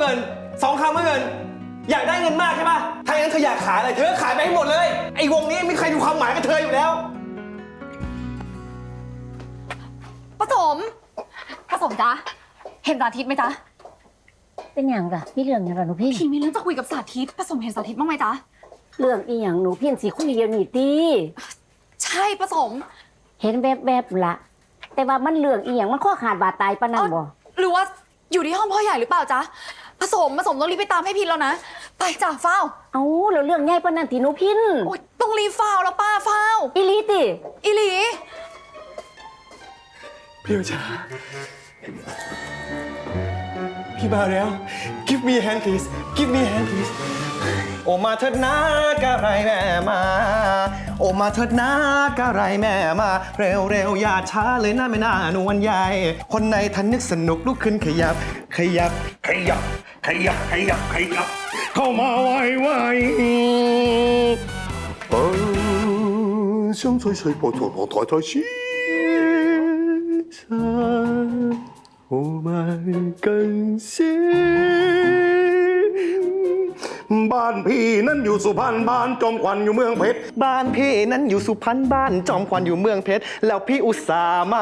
งิน2 คำก็เงินอยากได้เงินมากใช่ปะถ้าอย่างนั้นเธออยากขายอะไรเธอขายไปให้หมดเลยไอ้วงนี้ไม่มีใครดูความหมายกับเธออยู่แล้วผสมจ๊ะเห็นสาธิตไหมจ๊ะเป็นอย่างกะมีเรื่องอย่างไรหนูพี่พี่มีเรื่องจะคุยกับสาธิตผสมเห็นสาธิตบ้างไหมจ๊ะเรื่องอีหยังหนูพี่สิคุยเดียวนี่ตีใช่ผสมเห็นแบบละแต่ว่ามันเรื่องอีหยังมันข้อขาดบาดตายปะนั่นบ่หรือว่าอยู่ที่ห้องพ่อใหญ่หรือเปล่าจ๊ะผสมต้องรีบไปตามให้พินแล้วนะไปจ้ะเฝ้าเอาแล้วเรื่องใหญ่ปะนั่นที่หนูพินโอ๊ยต้องรีบเฝ้าแล้วป้าเฝ้าอีหลีติอีหลีพี่โอชาพี่มาแล้ว Give me a hand please Give me a hand please โอมาเถิดนะกะไรแม่มาโอมาเถิดนะกะไรแม่มาเร็วอย่าช้าเลยนะไม่น่านวลใหญ่คนในทันนึกสนุกลุกขึ้นขยับเข้ามาไว香吹吹，波拖拖，抬抬起身，我们更新。บ้านพี่นั้นอยู่สุพรรณบ้านจอมขวัญอยู่เมืองเพชรบ้านพี่นั้นอยู่สุพรรณบ้านจอมขวัญอยู่เมืองเพชรแล้วพี่อุตส่าห์มา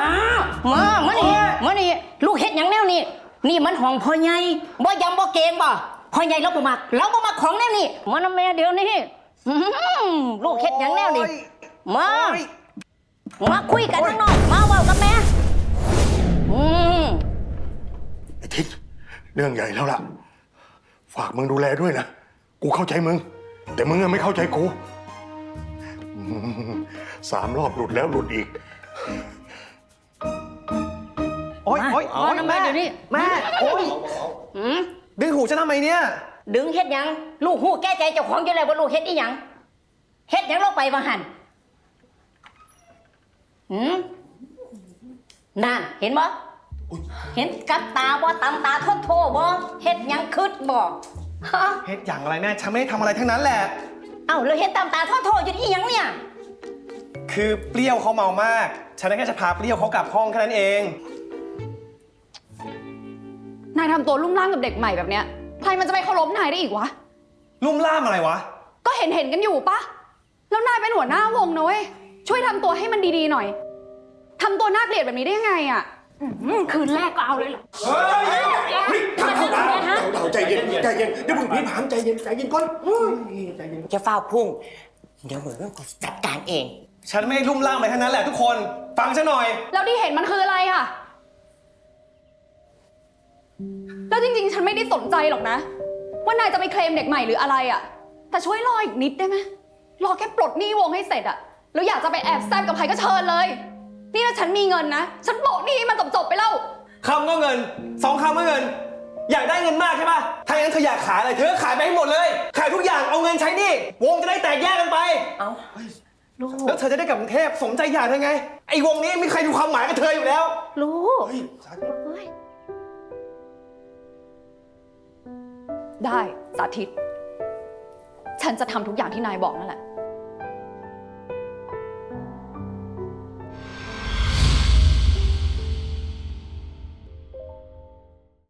นี่ลูกเฮ็ดหยังแนวนี่นี่มันของพ่อใหญ่บ่ยำบ่เกงบ่พ่อใหญ่เราบ่มักของแนวนี่มานำแม่เดี๋ยวนี้ลูกเฮ็ดหยังแนวนี่มาคุยกันข้างนอกมาเว้ากับแม่ไอ้ทิศเรื่องใหญ่แล้วล่ะฝากมึงดูแลด้วยนะกูเข้าใจมึงแต่มึงไม่เข้าใจกู3 รอบหลุดแล้วหลุดอีกโอ๊ยแม่เดี๋ยวนี้แม่โอ๊ยดึงหูฉันทำไมเนี่ยดึงเฮ็ดหยังลูกหูแก้ใจเจ้าของอยู่แล้วว่าลูกเฮ็ดอีหยังเฮ็ดหยังลงไปว่าหั่นนั่นเห็นบ่เห็นกับตาบ่ตำตาโทบ่เฮ็ดหยังคืดบ่ฮะเฮ็ดอย่างอะไรแม่ฉันไม่ได้ทำอะไรทั้งนั้นแหละเอ้าแล้วเฮ็ดตำตาโทอยู่อีหยังเนี่ยคือเปรี้ยวเขาเมามากฉันแค่จะพาเปรี้ยวเขากลับห้องแค่นั้นเองนายทำตัวลุ่มล่ามกับเด็กใหม่แบบเนี้ยใครมันจะไปเคารพนายได้อีกวะลุ่มล่ามอะไรวะก็เห็นกันอยู่ปะแล้วนายเป็นหัวหน้าวงนะเว้ยช่วยทำตัวให้มันดีๆหน่อยทำตัวน่าเกลียดแบบนี้ได้ยังไงอ่ะคืนแรกก็เอาเลยเหรอใจเย็นเดี๋ยวมึงพี่ผามใจเย็นก่อนใจเย็นจะเฝ้าพุ่งเดี๋ยวมึงกูจัดการเองฉันไม่ลุ่มล่ามอะไรทั้งนั้นแหละทุกคนฟังฉันหน่อยแล้วที่เห็นมันคืออะไรอ่ะแล้วจริงๆฉันไม่ได้สนใจหรอกนะว่านายจะไปเคลมเด็กใหม่หรืออะไรอ่ะแต่ช่วยรออีกนิดได้ไหมรอแค่ปลดหนี้วงให้เสร็จอ่ะแล้วอยากจะไปแอบแซมกับใครก็เชิญเลยนี่ถ้าฉันมีเงินนะฉันโปะหนี้มันจบไปแล้วคำก็เงิน2 คำก็เงินอยากได้เงินมากใช่ปะถ้าอย่างนั้นเธออยากขายอะไรเธอขายไปให้หมดเลยขายทุกอย่างเอาเงินใช้หนี้วงจะได้แตกแยกกันไปแล้วเธอจะได้กลับกรุงเทพสมใจอยากเธอไงไอ้วงนี้ไม่มีใครดูความหมายกับเธออยู่แล้วลูกได้สาธิตฉันจะทำทุกอย่างที่นายบอกนั่นแหละ